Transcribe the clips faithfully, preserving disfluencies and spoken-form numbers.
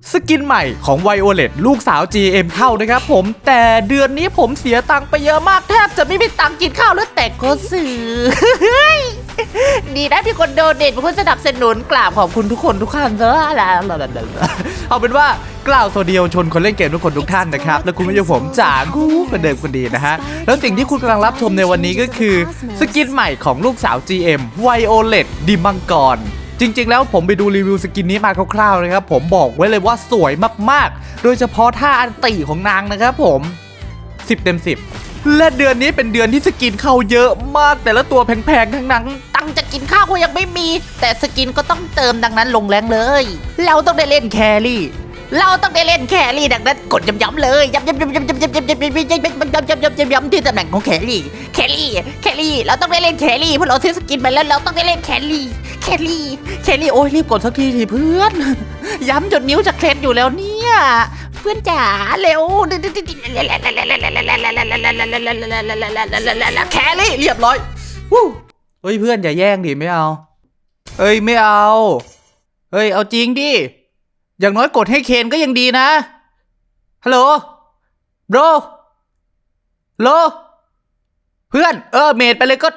สกินใหม่ของไวโอเลตลูกสาว จี เอ็ม เข้านะครับผมแต่เดือนนี้ผมเสียตังค์ไปเยอะมากแทบจะไม่มีตังค์กินข้าวแล้วแต่ก็ซื้อ ดีนะที่คนโดเนทเป็นคนสนับสนุนกราบขอบคุณทุกคนทุกท่านเนอะเอาเป็นว่ากล่าวสวัสดีชนคนเล่นเกมทุกคนทุกท่านนะครับและคุณผู้ชมผมจากกูคนเดิมคนดีนะฮะแล้วสิ่งที่คุณกำลังรับชมในวันนี้ก็คือสกินใหม่ของลูกสาว จี เอ็ม ไวโอเลตดิมังกรจริงๆแล้วผมไปดูรีวิวสกินนี้มาคร่าวๆนะครับผมบอกไว้เลยว่าสวยมากๆโดยเฉพาะท่าอันติของนางนะครับผมสิบเต็มสิบและเดือนนี้เป็นเดือนที่สกินเข้าเยอะมากแต่ละตัวแพงๆทั้งนั้นตังจะกินข้าวก็ยังไม่มีแต่สกินก็ต้องเติมดังนั้นลงแรงเลยเราต้องได้เล่นแครี่เราต้องได้เล่นแครี่ดังนั้นกดย้ำๆเลยย้ำๆๆๆๆๆๆๆๆๆๆที่ตำแหน่งของแครี่แครี่แครี่เราต้องได้เล่นแครี่เพราะเราซื้อสกินไปแล้วเราต้องได้เล่นแครี่แครี่แครี่โอ้ยรีบกดสักทีทีเพื่อนย้ำจนนิ้วจะเคล็ดอยู่แล้วเนี่ยเพื่อนจ๋าเร็วแครี่เรียบร้อยวู้เฮ้ยเพื่อนอย่าแย่งดิไม่เอาเฮ้ยไม่เอาเฮ้ยเอาจริงดิอย่างน้อยกดให้เคนก็ยังดีนะฮัลโหลโบรโลเพื่อนเออเมดไปเลยก็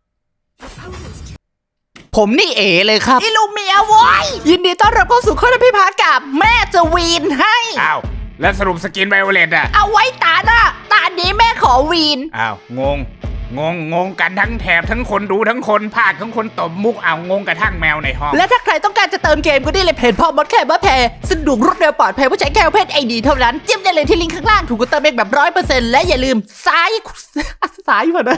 ผมนี่เอเลยครับอิลูเมียโว้ยยินดีต้อนรับเข้าสู่ข้อพิพาทกับแม่จะวีนให้อ้าวแล้วสรุปสกินไวโอเลตอะเอาไว้ตาหน้าตานี้แม่ขอวีนอ้าวงงงงงงกันทั้งแถบทั้งคนดูทั้งคนภาคทั้งคนตบมุกอ้าวงงกระทั่งแมวในห้องและถ้าใครต้องการจะเติมเกมก็ได้เลยเพจพ่อมดแคร์บ้าแพรสะดวกรวดเร็วปลอดภัยผู้ใช้แค่เพจไอดีเท่านั้นจิ้มได้เลยที่ลิงก์ข้างล่างถูกกดเติมเองแบบร้อยเปอร์เซ็นต์และอย่าลืมซ้ายซ้ายมานะ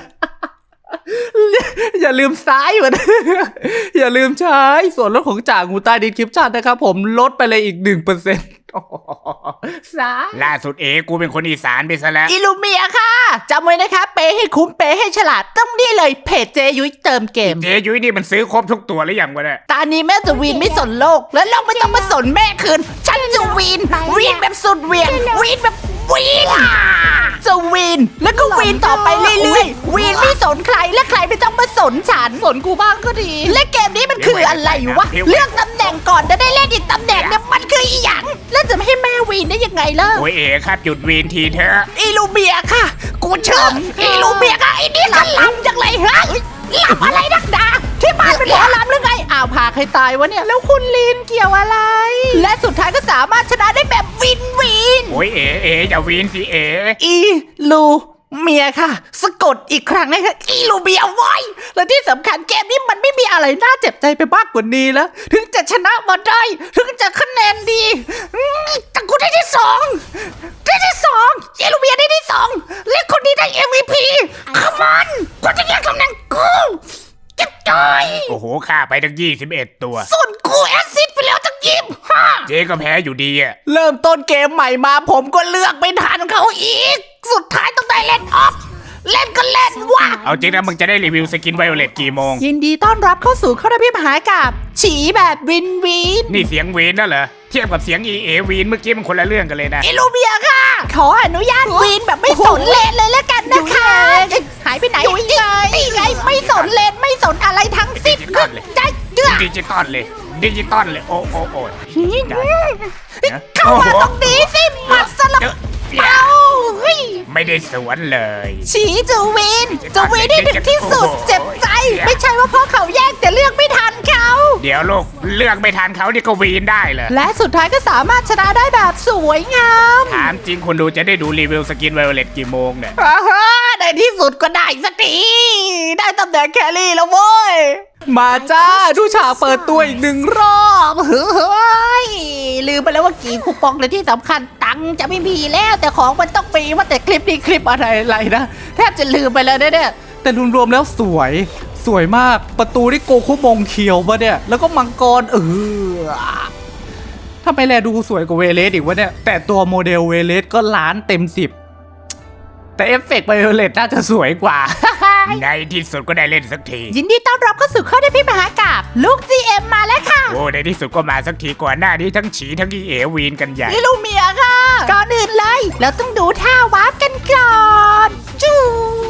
อย่าลืมซ้ายมานะอย่าลืมใช้ส่วนลดของจ่างูใต้ดิสคริปชั่นนะครับผมลดไปเลยอีกหนึ่งเปอร์เซ็นต์ซ้ายล่าสุดเอกูเป็นคนอีสานไปซะแล้วอิลูเมียค่ะจำไว้นะคะเปให้คุ้มเปให้ฉลาดต้องนี่เลยเพจเจยุ้ยเติมเกมเจยุ้ยนี่มันซื้อครบทุกตัวหรือยังวะเนี่ยตอนนี้แม่จะวีนไม่สนโลกและโลกไม่ต้องมาสนแม่คืนฉันจะวีนวีนแบบสุดเวียนวีนแบบวีนจะวีนแล้วก็วีนต่อไปเรื่อยๆวีนไม่สนใครและใครไม่ต้องมาสนฉันสนกูบ้างก็ดีและเกมนี้มันคืออะไรวะเลือกตำแหน่งก่อนจะได้เล่นอีกตำแหน่งเนี่ยมันคืออีหยังแล้วจะไม่ให้แม่วีนได้ยังไงล่ะโอ้ยเอ๋ครับหยุดวีนทีเถอะอีลูเมียค่ะกูเชื่ออีลูเมียค่ะไอ้นี่ก็ลำจังเลยฮะลำอะไรนักดาที่บ้านเป็นหมอลำหรือไงอ้าวพาใครตายวะเนี่ยแล้วคุณลีนเกี่ยวอะไรและสุดท้ายก็สามารถชนะได้แบบวินวินโอ้ยเอ๋เอ๋อย่าวีนสิเอ๋อีลูเมียค่ะสะกดอีกครั้งนะคะอีลูเมียไว้และที่สำคัญเกมนี้มันไม่มีอะไรน่าเจ็บใจไปมากกว่านี้แล้วถึงจะชนะมาได้ถึงจะคะแนนดีแต่กูได้ที่สองได้ที่สองอีลูเมียได้ที่สองและคนนี้ได้ เอ็ม วี พี Come on กูจะแย่งตำแหน่งกูเจ็บใจโอ้โหฆ่าไปตั้งยี่สิบเอ็ดตัวส่วนกูแอซซิดไปแล้วตั้งยี่สิบห้าเจ๊ก็แพ้อยู่ดีอะเริ่มต้นเกมใหม่มาผมก็เลือกไม่ทันเขาอีกสุดท้ายต้องได้เล่นออฟเล่นก็เล่นว่ะเอาจริงนะมึงจะได้รีวิวสกินไวโอเลตกี่โมงยินดีต้อนรับเข้าสู่ข้อพิพาทกับฉีแบบวินวินนี่เสียงวีนน่ะเหรอเทียบกับเสียงอีเอวีนเมื่อกี้มันคนละเรื่องกันเลยนะอิลูเมียค่ะขออนุญาตวีนแบบไม่สนเลนเลยแล้วกันนะคะหายไปไหนนี่ไงไม่สนเลนไม่สนอะไรทั้งสิ้นใจเดือดดิจิตอลเลยดิจิตอลเลยโอ้โอ้โอ้เข้ามาตรงนี้สิหมัดสลับเอ้าไม่ได้สวนเลยฉีจูวินจูวินได้ถึงที่สุดเจ็บใจไม่ใช่ว่าพ่อเขาแย่งแต่เลือกไม่ทันเขาเดี๋ยวลูกเลือกไม่ทันเขานี่ก็วีนได้เลยและสุดท้ายก็สามารถชนะได้แบบสวยงามถามจริงคนดูจะได้ดูรีวิวสกินไวโอเลตกี่โมงเนี่ยในที่สุดก็ได้สักทีได้ตำแหน่งแครี่แล้วโว้ยมาจ้าดูฉากเปิดตัวอีกหนึ่งรอบเฮ้ยลืมไปแล้วว่ากี่คูปองเลยที่สำคัญตังจะไม่มีแล้วแต่ของมันต้องมีว่าแต่คลิปนี้คลิปอะไรอะไรนะแทบจะลืมไปแล้วเนี่ยแต่รวมๆแล้วสวยสวยมากประตูที่โกคุมงเขียวมาเนี่ยแล้วก็มังกรเออทำไมแลดูสวยกว่าเวเลสอีกวะเนี่ยแต่ตัวโมเดลเวเลสก็ล้านเต็มสิบแต่เอฟเฟกต์ไวโอเลตน่าจะสวยกว่าในที่สุดก็ได้เล่นสักทียินดีต้อนรับเข้าสู่ข้อได้พี่มหากับลูก จี เอ็ม มาแล้วค่ะโอ้ในที่สุดก็มาสักทีก่อนหน้านี้ทั้งฉีทั้งอีเอวีนกันใหญ่นี่ลูกเมียค่ะก่อนอื่นเลยเราต้องดูท่าวาร์ปกันก่อนจู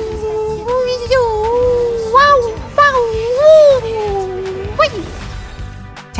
จูว้าวว้าวใช้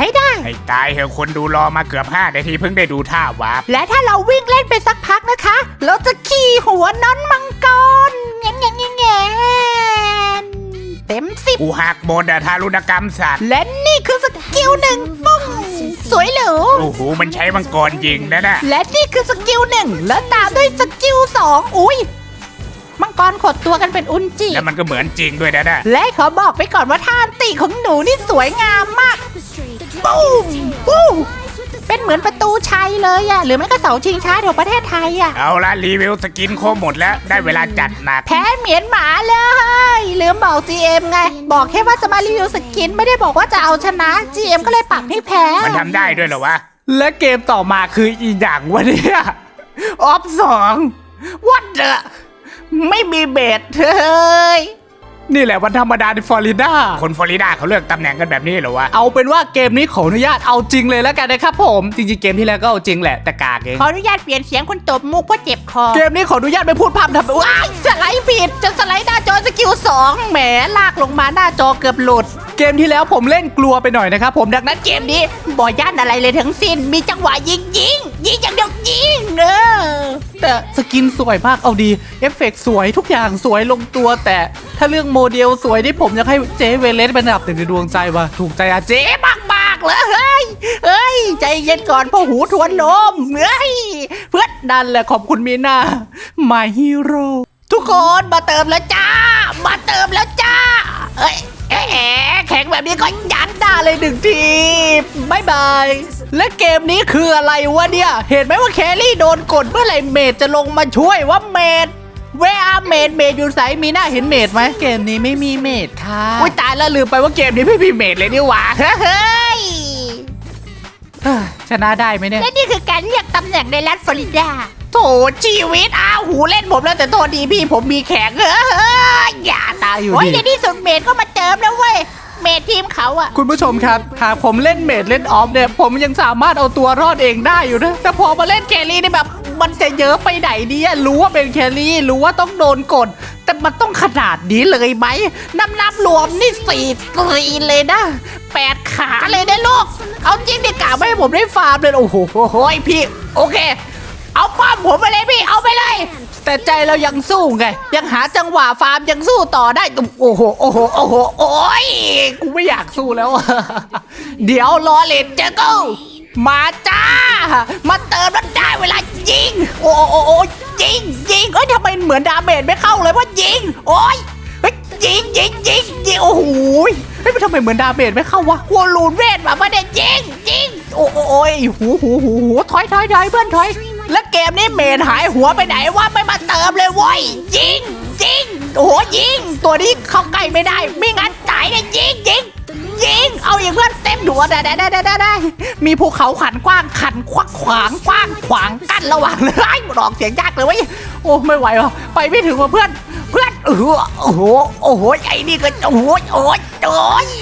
ให้ได้ให้ตายเหอะคนดูรอมาเกือบห้านาทีเพิ่งได้ดูท่าวาร์ปและถ้าเราวิ่งเล่นไปสักพักนะคะเราจะขี่หัวน้อนมังกรแงนแงนแงนแงนเต็มสิบกูหักบนอะทารุณกรรมสัตว์และนี่คือสกิลหนึ่งปุ้งสวยหรูโอ้โหมันใช้มังกรยิงนะน่ะและนี่คือสกิลหนึ่งแล้วตามด้วยสกิลสองอุ้ยมังกรขดตัวกันเป็นอุนจิแล้วมันก็เหมือนจริงด้วยนะน่ะและขอบอกไปก่อนว่าท่าอันติของหนูนี่สวยงามมากปุ้มปุ้มเป็นเหมือนประตูชัยเลยอะหรือไม่ก็เสาชิงช้าของประเทศไทยอะเอาละรีวิวสกินโครบหมดแล้วได้เวลาจัดหนักแพ้เหมียนหมาเลยลืมบอก จี เอ็ม ไง บอกแค่ว่าจะมารีวิวสกินไม่ได้บอกว่าจะเอาชนะ จี เอ็ม ก็เลยปักให้แพ้มันทำได้ด้วยเหรอวะและเกมต่อมาคืออีกอย่างวะเนี่ยออฟสองวัดเดอะไม่มีเบสเฮ้ยนี่แหละวันธรรมดาในฟลอริดาคนฟลอริดาเขาเลือกตำแหน่งกันแบบนี้เหรอวะเอาเป็นว่าเกมนี้ขออนุญาตเอาจริงเลยแล้วกันนะครับผมจริงๆเกมที่แล้วก็เอาจริงแหละแต่กากเองขออนุญาตเปลี่ยนเสียงคนตบมุกเพราะเจ็บคอเกมนี้ขออนุญาตไปพูดพร่ำทำว้ายสไลด์ผิดจะสไลด์หน้าจอสกิลสองแหมลากลงมาหน้าจอเกือบหลุด เกมที่แล้วผมเล่นกลัวไปหน่อยนะครับผมดังนั้นเกมนี้บอย่านอะไรเลยทั้งสิ้น มีจังหวะยิงยิงยิงอย่างเดียวยิงเออแต่สกินสวยมากเอาดีเอฟเฟกต์สวยทุกอย่างสวยลงตัวแต่ถ้าเรื่องโมเดลสวยที่ผมอยากให้เจเวเลสเป็นอันดับหนึ่งในดวงใจว่ะถูกใจอาเจเจ๊มากมากๆเลยเฮ้ยเฮ้ย ใจเย็นก่อนพ่อหูทวนลมเฮ้ยเพื่อนนั่นแหละขอบคุณมีนา My Hero ทุกคนมาเติมแล้วจ้า มาเติมแล้วจ้า เอ้ยแอะแอะแข็งแบบนี้ก็ยัดได้เลยหนึ่งทีบายบายและเกมนี้คืออะไรวะเนี่ย เห็นไหมว่าแครี่โดนกดเมื่อไหร่เมดจะลงมาช่วยว่าเมดเวอาเมดเมดอยู่ไสมีหน้าเห็นเมดไหมเกมนี้ไม่มีเมดค่ะอุ้ยตายแล้วลืมไปว่าเกมนี้ไม่มีเมดเลยนี่หว่าเฮ้ยเอ้ยชนะได้ไหมเนี่ยและนี่คือการเรียกตำแหน่งในรัฐฟลอริดาโถชีวิตอ้าวหูเล่นผมแล้วแต่โทษดีพี่ผมมีแข็งเฮ้ยอย่าตายอยู่โอ้ยดีในที่สุดเมดก็มาเติมแล้วเว้ยเมดทีมเขาอะคุณผู้ชมครับหากผมเล่นเมดเล่นออฟเนี่ยผมยังสามารถเอาตัวรอดเองได้อยู่นะแต่พอมาเล่นแครี่นี่แบบมันจะเยอะไปไหนเนี่ยรู้ว่าเป็นแครี่รู้ว่าต้องโดนกด แต่มันต้องขนาดนี้เลยไหมน้ำนับรวมนี่สี่ตรีเลยนะแปดขาเลยนะลูกเอาจริงดิกะไม่ให้ผมได้ฟาร์มเลยโอ้โหโอ้ยพี่โอเค เอาป้อมผมไปเลยพี่เอาไปเลย แต่ใจเรายังสู้ไงยังหาจังหวะฟาร์มยังสู้ต่อได้โอ้โหโอ้โหโอ้โหโอ้ยกูไม่อยากสู้แล้ว เดี๋ยวรอเลนเจอกูมาจ้า มาเติมแล้วได้เวลายิงโอ้โอ้โอ้โอ้ยิงยิงเอ้ยทำไมเหมือนดาเมจไม่เข้าเลยว่ายิงโอ้ยเฮ้ยยิงยิงยิงยิงโอ้โหเฮ้ยมันทำไมเหมือนดาเมจไม่เข้าวะวัวลูนเวทมาไม่ได้ยิงยิงโอ้โอ้โอ้ยหูหูหูหูถอยถอยถอยเพื่อนถอยแล้วเกมนี้เมนหายหัวไปไหนวะไม่มาเติมเลยเว้ยยิงยิงโอ้โหยิงตัวนี้เข้าใกล้ไม่ได้ไม่งั้นตายเลยยิงยิงยิงเอาอย่างเพื่อนเต็มหัวได้ได้ได้ได้ได้มีภูเขาขันกว้างขันควักขวางกว้างขวางกั้นระหว่างเลยหลอกเสียงยากเลยเว้ยโอ้ไม่ไหวว่ะไปไม่ถึงว่ะเพื่อนเพื่อนเออโอ้โหโอ้โหไอ้นี่ก็โอ้โหโอ้ยโอ้ย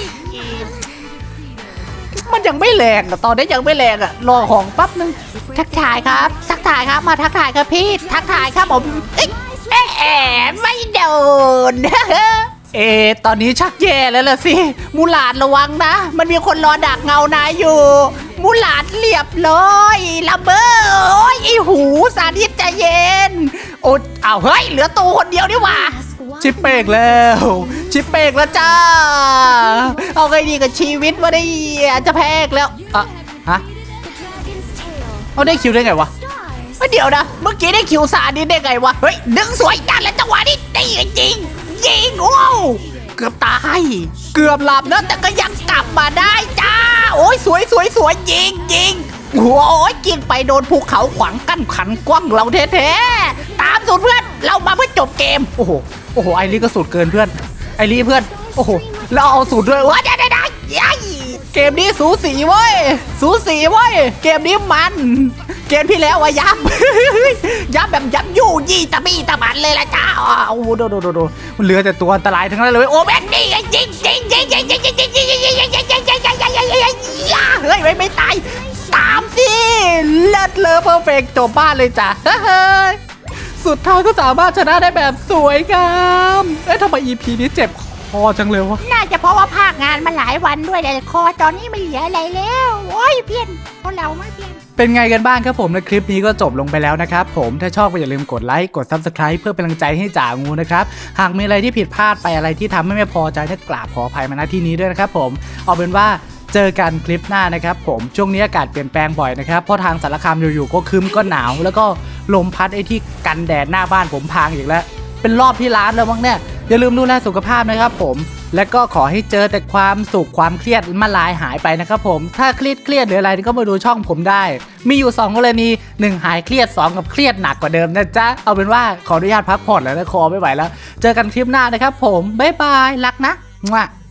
มันยังไม่แรงอะตอนนี้ยังไม่แรงอะรอของแป๊บนึงทักทายครับทักทายครับมาทักทายครับพี่ทักทายครับผมเอ๊ะแอะไม่โดน เอตอนนี้ชักแย่แล้วล่ะสิมูหลาดระวังนะ มันมีคนรอดักเงานายอยู่ มูหลาดเรียบร้อยระเบ้อโอ้ยไอหูสาธิตใจเย็นโอ้เอาเฮ้ยเหลือตูคนเดียวนี่หว่าชิปเปกแล้วชิปเปกแล้วจ้าเอาไงดีกับชีวิตวะได้จะแพ้อีกแล้วอ่ะฮะเอาได้คิวได้ไงวะเดี๋ยวนะเมื่อกี้ได้คิวสาดิตได้ไงวะเฮ้ยดึงสวยกันแล้วจังหวะนี้ตีจริงยิงโอ้เกือบตายเกือบหลับนะแต่ก็ยังกลับมาได้จ้าโอ้ยสวยสวยสวยยิงยิงโอ้ยกินไปโดนภูเขาขวางกั้นขันกว้างเราแท้ๆตามสูตรเพื่อนเรามาเพื่อจบเกมโอ้โหโอ้โหไอรีก็สูตรเกินเพื่อนไอรีเพื่อนโอ้โหเราเอาสูตรด้วยว้าได้ได้ได้ยัยเกมนี้สูสีเว้ยสูสีเว้ยเกมนี้มันเกมที่แล้วอะยับ ยับแบบยับยู่ยี่ตะบี้ตะบันเลยละจ้าโอ้โหโดโดโดโดมันเหลือแต่ตัวอันตรายทั้งนั้นเลยโอ้แม่งนี่ไงยิงยิงยิงยิงยิงยิงยิงยิงยิงยิงยิงยิงยิงยิงยิงยิงยิงยิงเฮ้ยไม่ไม่ตายตามสิเลิศเลอเพอร์เฟกจบบ้านเลยจ้ะเฮ้ยสุดท้ายก็สามารถชนะได้แบบสวยงามเอ๊ะทำไม อี พี นี้เจ็บคอจังเลยวะน่าจะเพราะว่าภาคงานมาหลายวันด้วยแต่คอตอนนี้ไม่เหลืออะไรแล้วโอ้ยเพี้ยนเพราะเราไม่เพี้ยนเป็นไงกันบ้างครับผมและคลิปนี้ก็จบลงไปแล้วนะครับผมถ้าชอบก็อย่าลืมกดไลค์กด ซับสไครบ์ เพื่อเป็นกำลังใจให้จ่างูนะครับหากมีอะไรที่ผิดพลาดไปอะไรที่ทำให้ไม่พอใจก็กราบขออภัยมาณที่นี้ด้วยนะครับผมเอาเป็นว่าเจอกันคลิปหน้านะครับผมช่วงนี้อากาศเปลี่ยนแปลงบ่อยนะครับเพราะทางสารคามอยู่ๆก็คึ้มก็หนาวแล้วก็ลมพัดไอ้ที่กันแดดหน้าบ้านผมพังอีกแล้วเป็นรอบที่ร้านแล้วมั้งเนี่ยอย่าลืมดูแลสุขภาพนะครับผมและก็ขอให้เจอแต่ความสุขความเครียดมาลายหายไปนะครับผมถ้าเครียดเครียดหรืออะไรก็มาดูช่องผมได้มีอยู่สองกรณีหนึ่งหายเครียดสองกับเครียดหนักกว่าเดิมนะจ๊ะเอาเป็นว่าขออนุญาตพักผ่อนแล้วนะคอไม่ไหวแล้วเจอกันคลิปหน้านะครับผมบ๊ายบายรักนะ